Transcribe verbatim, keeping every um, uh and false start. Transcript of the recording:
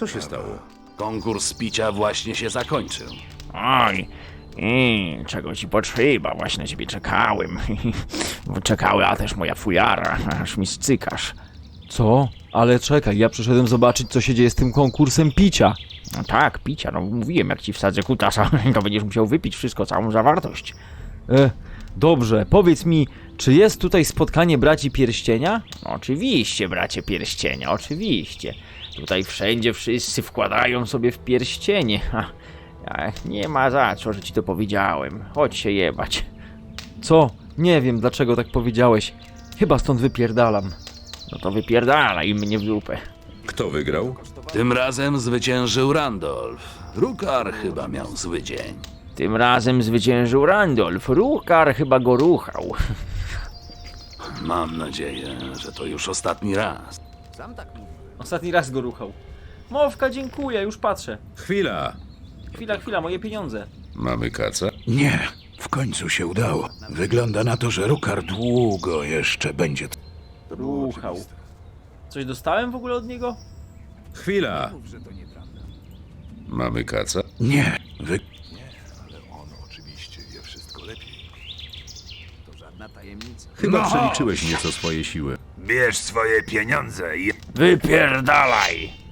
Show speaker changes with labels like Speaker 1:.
Speaker 1: Co się stało?
Speaker 2: Konkurs picia właśnie się zakończył.
Speaker 3: Oj, i czego ci potrzeba? Właśnie na ciebie czekałem. Czekała też moja fujara, aż mi scykasz.
Speaker 4: Co? Ale czekaj, ja przyszedłem zobaczyć, co się dzieje z tym konkursem picia.
Speaker 3: No tak, picia, no mówiłem, jak ci wsadzę kutasa, to będziesz musiał wypić wszystko, całą zawartość.
Speaker 4: E, dobrze, powiedz mi, czy jest tutaj spotkanie braci pierścienia?
Speaker 3: No, oczywiście, bracie pierścienia, oczywiście. Tutaj wszędzie wszyscy wkładają sobie w pierścienie. Ha, a nie ma za co, że ci to powiedziałem. Chodź się jebać.
Speaker 4: Co? Nie wiem, dlaczego tak powiedziałeś. Chyba stąd wypierdalam.
Speaker 3: No to wypierdalaj mnie w dupę.
Speaker 1: Kto wygrał?
Speaker 2: Tym razem zwyciężył Randolph. Rukar chyba miał zły dzień.
Speaker 3: Tym razem zwyciężył Randolph. Rukar chyba go ruchał.
Speaker 2: Mam nadzieję, że to już ostatni raz.
Speaker 4: Ostatni raz go ruchał. Mowka, dziękuję, już patrzę.
Speaker 1: Chwila!
Speaker 4: Chwila, chwila, moje pieniądze.
Speaker 1: Mamy kaca?
Speaker 5: Nie, w końcu się udało. Wygląda na to, że Rukar długo jeszcze będzie.
Speaker 4: Ruchał. Coś dostałem w ogóle od niego?
Speaker 1: Chwila! Mamy kaca?
Speaker 5: Nie, wy...
Speaker 1: Chyba
Speaker 5: No.
Speaker 1: przeliczyłeś nieco swoje siły.
Speaker 5: Bierz swoje pieniądze i...
Speaker 3: Wypierdalaj!